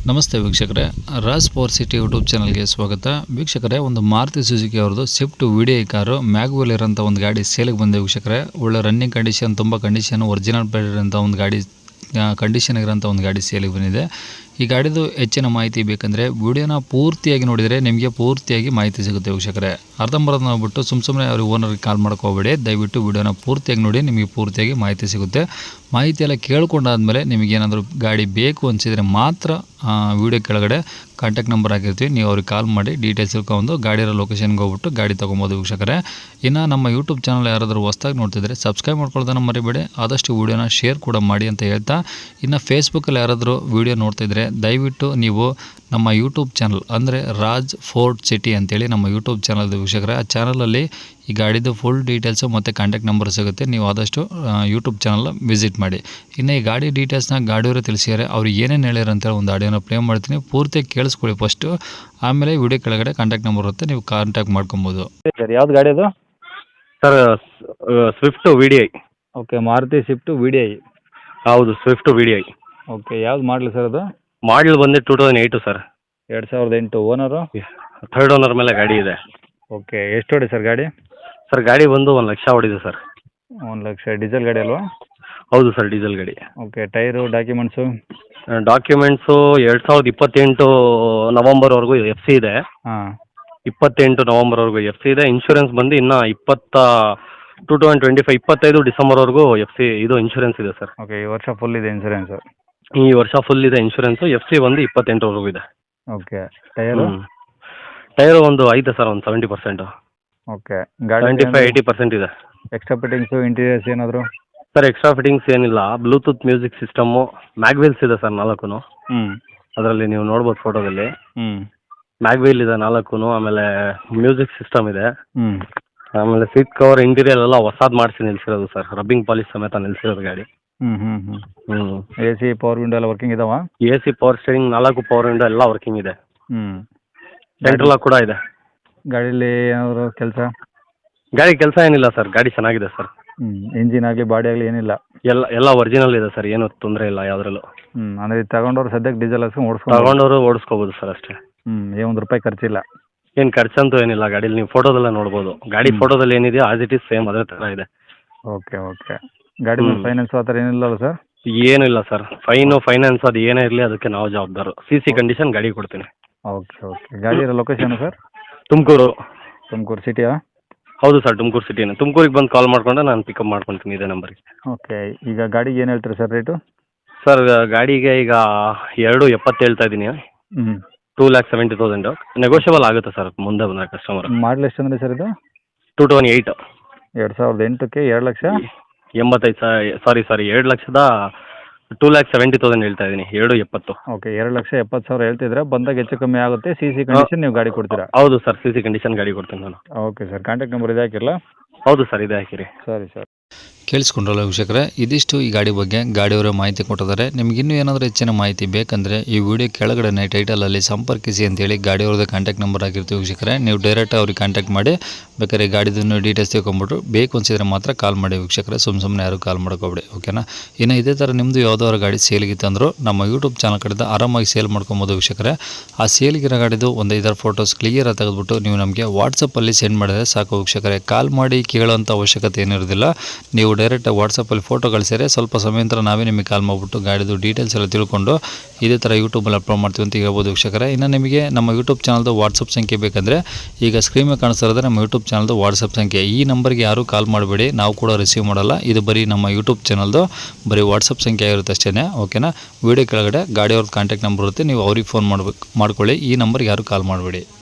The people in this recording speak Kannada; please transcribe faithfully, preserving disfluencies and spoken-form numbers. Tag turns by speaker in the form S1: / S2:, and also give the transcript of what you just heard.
S1: ನಮಸ್ತೆ ವೀಕ್ಷಕರೇ, ರಾಜ್ ಪವರ್ ಸಿಟಿ ಯೂಟ್ಯೂಬ್ ಚಾನಲ್ಗೆ ಸ್ವಾಗತ. ವೀಕ್ಷಕರೇ, ಒಂದು ಮಾರುತಿ ಸುಜುಕಿ ಅವ್ರದ್ದು ಸ್ವಿಫ್ಟ್ ವಿಡಿಐ ಕಾರು ಮ್ಯಾಗ್ವೆಲ್ ಇರೋಂಥ ಒಂದು ಗಾಡಿ ಸೇಲಿಗೆ ಬಂದೆ ವೀಕ್ಷಕರೇ. ಒಳ್ಳೆ ರನ್ನಿಂಗ್ ಕಂಡೀಷನ್, ತುಂಬ ಕಂಡೀಷನ್, ಒರಿಜಿನಲ್ ಪೇಡ್ ಇರೋಂಥ ಒಂದು ಗಾಡಿ ಕಂಡೀಷನ್ ಇರೋಂಥ ಒಂದು ಗಾಡಿ ಸೇಲಿಗೆ ಬಂದಿದೆ. ಈ ಗಾಡಿದು ಹೆಚ್ಚಿನ ಮಾಹಿತಿ ಬೇಕಂದರೆ ವಿಡಿಯೋನ ಪೂರ್ತಿಯಾಗಿ ನೋಡಿದರೆ ನಿಮಗೆ ಪೂರ್ತಿಯಾಗಿ ಮಾಹಿತಿ ಸಿಗುತ್ತೆ ವೀಕ್ಷಕರೇ. ಅರ್ಧಂಬರ್ಧ ನೋಡ್ಬಿಟ್ಟು ಸುಮ್ಮ ಸುಮ್ಮನೆ ಅವ್ರಿಗೆ ಓನರ್ಗೆ ಕಾಲ್ ಮಾಡ್ಕೋಬೇಡಿ. ದಯವಿಟ್ಟು ವಿಡಿಯೋನ ಪೂರ್ತಿಯಾಗಿ ನೋಡಿ, ನಿಮಗೆ ಪೂರ್ತಿಯಾಗಿ ಮಾಹಿತಿ ಸಿಗುತ್ತೆ. ಮಾಹಿತಿ ಎಲ್ಲ ಕೇಳ್ಕೊಂಡಾದ್ಮೇಲೆ ನಿಮಗೇನಾದರೂ ಗಾಡಿ ಬೇಕು ಅನಿಸಿದರೆ ಮಾತ್ರ ವಿಡಿಯೋ ಕೆಳಗಡೆ ಕಾಂಟ್ಯಾಕ್ಟ್ ನಂಬರ್ ಹಾಕಿರ್ತೀವಿ, ನೀವು ಅವ್ರಿಗೆ ಕಾಲ್ ಮಾಡಿ ಡೀಟೇಲ್ಸ್ ತಿಳ್ಕೊಂಡು ಗಾಡಿರೋ ಲೊಕೇಶನ್ಗೆ ಹೋಗ್ಬಿಟ್ಟು ಗಾಡಿ ತೊಗೊಬೋದು ವೀಕ್ಷಕರೇ. ಇನ್ನು ನಮ್ಮ ಯೂಟ್ಯೂಬ್ ಚಾನಲ್ ಯಾರಾದರೂ ಹೊಸ್ದಾಗಿ ನೋಡ್ತಿದ್ರೆ ಸಬ್ಸ್ಕ್ರೈಬ್ ಮಾಡ್ಕೊಳ್ಳೋದನ್ನು ಮರಿಬೇಡಿ, ಆದಷ್ಟು ವೀಡಿಯೋನ ಶೇರ್ ಕೂಡ ಮಾಡಿ ಅಂತ ಹೇಳ್ತಾ, ಇನ್ನು ಫೇಸ್ಬುಕ್ಕಲ್ಲಿ ಯಾರಾದರೂ ವೀಡಿಯೋ ನೋಡ್ತಿದ್ರೆ ದಯವಿಟ್ಟು ನೀವು ನಮ್ಮ ಯೂಟ್ಯೂಬ್ ಚಾನಲ್ ಅಂದರೆ ರಾಜ್ ಫೋರ್ಟ್ ಸಿಟಿ ಅಂತೇಳಿ ನಮ್ಮ ಯೂಟ್ಯೂಬ್ ಚಾನಲ್ ವೀಕ್ಷಕರೇ. ಆ ಚಾನಲಲ್ಲಿ ಈ ಗಾಡಿದು ಫುಲ್ ಡೀಟೇಲ್ಸು ಮತ್ತು ಕಾಂಟ್ಯಾಕ್ಟ್ ನಂಬರ್ ಸಿಗುತ್ತೆ. ನೀವು ಆದಷ್ಟು ಯೂಟ್ಯೂಬ್ ಚಾನಲ್ ವಿಸಿಟ್ ಮಾಡಿ. ಇನ್ನು ಈ ಗಾಡಿ ಡೀಟೇಲ್ಸ್ನ ಗಾಡಿಯವರು ತಿಳಿಸಿದ್ದಾರೆ, ಅವ್ರು ಏನೇನು ಹೇಳ್ಯಾರ ಅಂತೇಳಿ ಒಂದು ಆಡಿಯೋನ ಪ್ಲೇ ಮಾಡ್ತೀನಿ, ಪೂರ್ತಿ ಕೇಳಿಸ್ಕೊಳ್ಳಿ ಫಸ್ಟು. ಆಮೇಲೆ ವಿಡಿಯೋ ಕೆಳಗಡೆ ಕಾಂಟ್ಯಾಕ್ಟ್ ನಂಬರ್ ಇರುತ್ತೆ, ನೀವು ಕಾಂಟ್ಯಾಕ್ಟ್ ಮಾಡ್ಕೊಬೋದು.
S2: ಸರ್ ಯಾವ್ದು ಗಾಡಿ ಅದು?
S3: Sir Swift V D I.
S2: Okay, Maruti Swift V D I.
S3: ಹೌದು, Swift V D I.
S2: Okay, ಯಾವ್ದು ಮಾಡಲಿ ಸರ್ ಅದು?
S3: ಮಾಡಲ್ ಬಂದು ಟೂ ತೌಸಂಡ್ ಏಯ್ಟು ಸರ್.
S2: ಎರಡು ಸಾವಿರದ ಎಂಟು. ಓನರು?
S3: ಥರ್ಡ್ ಓನರ್ ಮೇಲೆ ಗಾಡಿ ಇದೆ.
S2: ಓಕೆ, ಎಷ್ಟು ಹೊಡಿ ಸರ್ ಗಾಡಿ?
S3: ಸರ್ ಗಾಡಿ ಬಂದು ಒಂದು ಲಕ್ಷ ಹೊಡಿದೆ ಸರ್.
S2: ಒಂದು ಲಕ್ಷ. ಡೀಸೆಲ್ ಗಾಡಿ ಅಲ್ವಾ?
S3: ಹೌದು ಸರ್, ಡೀಸೆಲ್ ಗಾಡಿ.
S2: Okay, tyre documents?
S3: ಡಾಕ್ಯುಮೆಂಟ್ಸು ಎರಡು ಸಾವಿರದ ಇಪ್ಪತ್ತೆಂಟು ನವಂಬರ್ವರೆಗೂ ಎಫ್ ಸಿ ಇದೆ.
S2: ಹಾಂ,
S3: ಇಪ್ಪತ್ತೆಂಟು ನವಂಬರ್ವರೆಗೂ ಎಫ್ ಸಿ ಇದೆ. ಇನ್ಶೂರೆನ್ಸ್ ಬಂದು ಇನ್ನು ಇಪ್ಪತ್ತ ಟೂ ತೌಸಂಡ್ ಟ್ವೆಂಟಿ ಫೈವ್ ಇಪ್ಪತ್ತೈದು ಡಿಸೆಂಬರ್ವರೆಗೂ ಎಫ್ ಸಿ ಇದು ಇನ್ಶೂರೆನ್ಸ್ ಇದೆ ಸರ್.
S2: ಓಕೆ, ಈ ವರ್ಷ ಫುಲ್ ಇದೆ ಇನ್ಸೂರೆನ್ಸು?
S3: ಈ ವರ್ಷ ಫುಲ್ ಇದೆ ಇನ್ಶೂರೆನ್ಸು. ಎಫ್ ಸಿ ಒಂದು ಇಪ್ಪತ್ತೆಂಟರವರೆಗೂ ಇದೆ.
S2: Okay, tyre?
S3: ಟೈರು ಒಂದು ಐತೆ ಸರ್, ಒಂದು ಸೆವೆಂಟಿ ಪರ್ಸೆಂಟು.
S2: ಓಕೆ, ಗಾಡಿ
S3: ಸೆವೆಂಟಿ ಫೈವ್ ಏಯ್ಟಿ ಪರ್ಸೆಂಟ್ ಇದೆ.
S2: ಎಕ್ಸ್ಟ್ರಾ ಫಿಟ್ಟಿಂಗ್ಸು, ಇಂಟೀರಿಯರ್ಸ್ ಏನಾದರೂ?
S3: ಸರ್ ಎಕ್ಸ್ಟ್ರಾ ಫಿಟ್ಟಿಂಗ್ಸ್ ಏನಿಲ್ಲ. ಬ್ಲೂಟೂತ್ ಮ್ಯೂಸಿಕ್ ಸಿಸ್ಟಮ್ಮು, ಮ್ಯಾಗ್ವೀಲ್ಸ್ ಇದೆ ಸರ್ ನಾಲ್ಕು.
S2: ಹ್ಞೂ,
S3: ಅದರಲ್ಲಿ ನೀವು ನೋಡ್ಬೋದು ಫೋಟೋದಲ್ಲಿ.
S2: ಹ್ಞೂ,
S3: ಮ್ಯಾಗ್ವೀಲ್ ಇದೆ ನಾಲ್ಕು, ಆಮೇಲೆ ಮ್ಯೂಸಿಕ್ ಸಿಸ್ಟಮ್ ಇದೆ.
S2: ಹ್ಞೂ.
S3: ಆಮೇಲೆ ಸೀಟ್ ಕವರ್ ಇಂಟೀರಿಯರ್ ಎಲ್ಲ ಹೊಸಾದ್ ಮಾಡಿಸಿ ನಿಲ್ಸಿರೋದು ಸರ್, ರಬ್ಬಿಂಗ್ ಪಾಲಿಶ್ ಸಮೇತ ನಿಲ್ಸಿರೋದು ಗಾಡಿ.
S2: ಹ್ಞೂ ಹ್ಞೂ ಹ್ಞೂ
S3: ಹ್ಞೂ
S2: ಎ ಸಿ ಪವರ್ ವಿಂಡೋ ಎಲ್ಲ ವರ್ಕಿಂಗ್ ಇದಾವ?
S3: ಎ ಸಿ ಪವರ್ ಸ್ಟೇರಿಂಗ್ ನಾಲ್ಕು ಪವರ್ ವಿಂಡೋ ಎಲ್ಲ ವರ್ಕಿಂಗ್ ಇದೆ.
S2: ಹ್ಞೂ.
S3: ಸೆಂಟ್ರಲ್ ಕೂಡ ಇದೆ.
S2: ಗಾಡೀಲಿ ಏನಾದರೂ ಕೆಲಸ?
S3: ಗಾಡಿ ಕೆಲಸ ಏನಿಲ್ಲ ಸರ್, ಗಾಡಿ ಚೆನ್ನಾಗಿದೆ ಸರ್.
S2: ಹ್ಞೂ. ಇಂಜಿನ್ ಆಗಲಿ ಬಾಡಿ ಆಗಲಿ ಏನಿಲ್ಲ?
S3: ಎಲ್ಲ ಎಲ್ಲ ಒರಿಜಿನಲ್ ಇದೆ ಸರ್, ಏನು ತೊಂದರೆ ಇಲ್ಲ ಯಾವುದ್ರಲ್ಲೂ.
S2: ಹ್ಞೂ. ಅಂದರೆ ಇದು ತಗೊಂಡವ್ರು ಸದ್ಯಕ್ಕೆ ಡೀಸೆಲ್ ಹಾಕ್ಸ್ಕೊಂಡು ಓಡಿಸ್ಕೊಂಡು
S3: ತಗೊಂಡವರು ಓಡಿಸ್ಕೋಬೋದು ಸರ್ ಅಷ್ಟೇ.
S2: ಹ್ಞೂ. ಏನು ಒಂದು ರೂಪಾಯಿ ಖರ್ಚಿಲ್ಲ?
S3: ಏನು ಖರ್ಚಂತೂ ಏನಿಲ್ಲ ಗಾಡೀಲಿ, ನೀವು ಫೋಟೋದಲ್ಲೇ ನೋಡ್ಬೋದು. ಗಾಡಿ ಫೋಟೋದಲ್ಲಿ ಏನಿದೆಯೋ ಆಸ್ ಇಟ್ ಈಸ್ ಸೇಮ್ ಅದೇ ಥರ ಇದೆ.
S2: Okay okay. ಗಾಡಿ ಮೇಲೆ ಫೈನಾನ್ಸ್ ಆ ಥರ ಏನಿಲ್ಲ ಸರ್?
S3: ಏನೂ ಇಲ್ಲ ಸರ್, ಫೈನು ಫೈನಾನ್ಸ್ ಅದು ಏನೇ ಇರಲಿ ಅದಕ್ಕೆ ನಾವು ಜವಾಬ್ದಾರು. ಸಿ ಸಿ ಕಂಡೀಷನ್ ಗಾಡಿ ಕೊಡ್ತೀನಿ.
S2: Okay okay. ಗಾಡಿ ಇರೋ ಲೊಕೇಶನ್ ಸರ್?
S3: ತುಮಕೂರು.
S2: ತುಮಕೂರು ಸಿಟಿಯಾ?
S3: ಹೌದು ಸರ್, ತುಮಕೂರು ಸಿಟಿನೇ. ತುಮಕೂರಿಗೆ ಬಂದು ಕಾಲ್ ಮಾಡಿಕೊಂಡ್ರೆ ನಾನು ಪಿಕಪ್ ಮಾಡ್ಕೊತೀನಿ ಇದೇ ನಂಬರಿಗೆ.
S2: ಓಕೆ. ಈಗ ಗಾಡಿಗೆ ಏನು ಹೇಳ್ತೀರಿ ಸರ್ ರೇಟು?
S3: ಸರ್ ಗಾಡಿಗೆ ಈಗ ಎರಡು ಎಪ್ಪತ್ತು ಹೇಳ್ತಾ ಇದ್ದೀನಿ.
S2: ಹ್ಞೂ.
S3: Two lakh seventy thousand negotiable ಆಗುತ್ತೆ ಸರ್ ಮುಂದೆ ಬಂದರೆ ಕಸ್ಟಮರ್.
S2: ಮಾಡಲ್ ಎಷ್ಟು ಅಂದರೆ ಸರ್ ಇದು?
S3: Two thousand eight.
S2: ಎರಡು ಸಾವಿರದ ಎಂಟಕ್ಕೆ ಎರಡು ಲಕ್ಷ
S3: ಎಂಬತ್ತೈದು ಸ ಸಾರಿ ಸಾರಿ ಎರಡು ಲಕ್ಷದ ಟೂ ಲ್ಯಾಕ್ ಸೆವೆಂಟಿ ತೌಸಂಡ್ ಹೇಳ್ತಾ ಇದ್ದೀನಿ, ಎರಡು ಎಪ್ಪತ್ತು.
S2: ಓಕೆ, ಎರಡು ಲಕ್ಷ ಎಪ್ಪತ್ತು ಸಾವಿರ ಹೇಳ್ತಿದ್ರೆ ಬಂದಾಗ ಹೆಚ್ಚು ಕಮ್ಮಿ ಆಗುತ್ತೆ. ಸಿ ಸಿ ಕಂಡೀಷನ್ ನೀವು ಗಾಡಿ ಕೊಡ್ತೀರಾ?
S3: ಹೌದು ಸರ್, ಸಿ ಸಿ ಕಂಡೀಷನ್ ಗಾಡಿ ಕೊಡ್ತೀನಿ ನಾನು.
S2: ಓಕೆ ಸರ್, ಕಾಂಟ್ಯಾಕ್ಟ್ ನಂಬರ್ ಇದೆ ಹಾಕಿರಲ್ಲ?
S3: ಹೌದು ಸರ್, ಇದೆ ಹಾಕಿರಿ.
S2: ಸರಿ ಸರ್.
S1: ಕೇಳಿಸ್ಕೊಂಡ್ರಲ್ಲ ವೀಕ್ಷಕರೇ, ಇದಿಷ್ಟು ಈ ಗಾಡಿ ಬಗ್ಗೆ ಗಾಡಿಯವರ ಮಾಹಿತಿ ಕೊಟ್ಟಿದ್ದಾರೆ. ನಿಮ್ಗೆ ಇನ್ನೂ ಏನಾದರೂ ಹೆಚ್ಚಿನ ಮಾಹಿತಿ ಬೇಕಂದರೆ ಈ ವಿಡಿಯೋ ಕೆಳಗಡೆ ಟೈಟಲಲ್ಲಿ ಸಂಪರ್ಕಿಸಿ ಅಂತೇಳಿ ಗಾಡಿಯವ್ರದ್ದು ಕಾಂಟ್ಯಾಕ್ಟ್ ನಂಬರ್ ಆಗಿರ್ತೀವಿ ವೀಕ್ಷಕರೇ. ನೀವು ಡೈರೆಕ್ಟ್ ಅವ್ರಿಗೆ ಕಾಂಟ್ಯಾಕ್ಟ್ ಮಾಡಿ ಬೇಕಾದ್ರೆ ಗಾಡಿದನ್ನು ಡೀಟೇಲ್ಸ್ ತಿಳ್ಕೊಂಬಿಟ್ಟು ಬೇಕು ಅನಿಸಿದ್ರೆ ಮಾತ್ರ ಕಾಲ್ ಮಾಡಿ ವೀಕ್ಷಕರೇ, ಸುಮ್ಮ ಸುಮ್ಮನೆ ಯಾರು ಕಾಲ್ ಮಾಡ್ಕೊಬೇಡಿ, ಓಕೆನಾ. ಇನ್ನು ಇದೇ ಥರ ನಿಮ್ಮದು ಯಾವುದಾದ್ರು ಗಾಡಿ ಸೇಲ್ಗಿತ್ತಂದ್ರೂ ನಮ್ಮ ಯೂಟ್ಯೂಬ್ ಚಾನಲ್ ಕಡೆಯಿಂದ ಆರಾಮಾಗಿ ಸೇಲ್ ಮಾಡ್ಕೊಬೋದು ವೀಕ್ಷಕರೇ. ಆ ಸೇಲ್ಗಿರೋ ಗಾಡಿದು ಒಂದು ಐದಾರು ಫೋಟೋಸ್ ಕ್ಲಿಯರಾಗಿ ತೆಗೆದುಬಿಟ್ಟು ನೀವು ನಮಗೆ ವಾಟ್ಸಪ್ಪಲ್ಲಿ ಸೆಂಡ್ ಮಾಡಿದರೆ ಸಾಕು ವೀಕ್ಷಕರೇ. ಕಾಲ್ ಮಾಡಿ ಕೇಳೋಂಥ ಅವಶ್ಯಕತೆ ಏನಿರೋದಿಲ್ಲ. ನೀವು ಡೈರೆಕ್ಟಾಗಿ ವಾಟ್ಸಪ್ಪಲ್ಲಿ ಫೋಟೋ ಕಳಿಸಿದರೆ ಸ್ವಲ್ಪ ಸಮಯ ನಂತರ ನಾವೇ ನಿಮಗೆ ಕಾಲ್ ಮಾಡಿಬಿಟ್ಟು ಗಾಡಿದು ಡೀಟೇಲ್ಸ್ ಎಲ್ಲ ತಿಳ್ಕೊಂಡು ಇದೇ ಥರ ಯೂಟ್ಯೂಬಲ್ಲಿ ಅಪ್ಲೋಡ್ ಮಾಡ್ತೀವಿ ಅಂತ ಹೇಳ್ಬೋದು ವೀಕ್ಷಕರೇ. ಇನ್ನು ನಿಮಗೆ ನಮ್ಮ ಯೂಟ್ಯೂಬ್ ಚಾನಲ್ದು ವಾಟ್ಸಪ್ ಸಂಖ್ಯೆ ಬೇಕಂದರೆ ಈಗ ಸ್ಕ್ರೀನ್ ಮೇಲೆ ಕಾಣಿಸ್ತಿರೋದು ನಮ್ಮ ಯೂಟ್ಯೂಬ್ ಚಾನಲ್ದು ವಾಟ್ಸಪ್ ಸಂಖ್ಯೆ. ಈ ನಂಬರ್ಗೆ ಯಾರೂ ಕಾಲ್ ಮಾಡಬೇಡಿ, ನಾವು ಕೂಡ ರಿಸೀವ್ ಮಾಡಲ್ಲ. ಇದು ಬರೀ ನಮ್ಮ ಯೂಟ್ಯೂಬ್ ಚಾನಲ್ದು ಬರೀ ವಾಟ್ಸಪ್ ಸಂಖ್ಯೆ ಆಗಿರುತ್ತೆ ಅಷ್ಟೇ, ಓಕೆನಾ. ವಿಡಿಯೋ ಕೆಳಗಡೆ ಗಾಡಿಯವ್ರದ್ದು ಕಾಂಟ್ಯಾಕ್ಟ್ ನಂಬರ್ ಇರುತ್ತೆ, ನೀವು ಅವ್ರಿಗೆ ಫೋನ್ ಮಾಡ್ಬೇಕು ಮಾಡ್ಕೊಳ್ಳಿ. ಈ ನಂಬರ್ಗೆ ಯಾರೂ ಕಾಲ್ ಮಾಡಬೇಡಿ.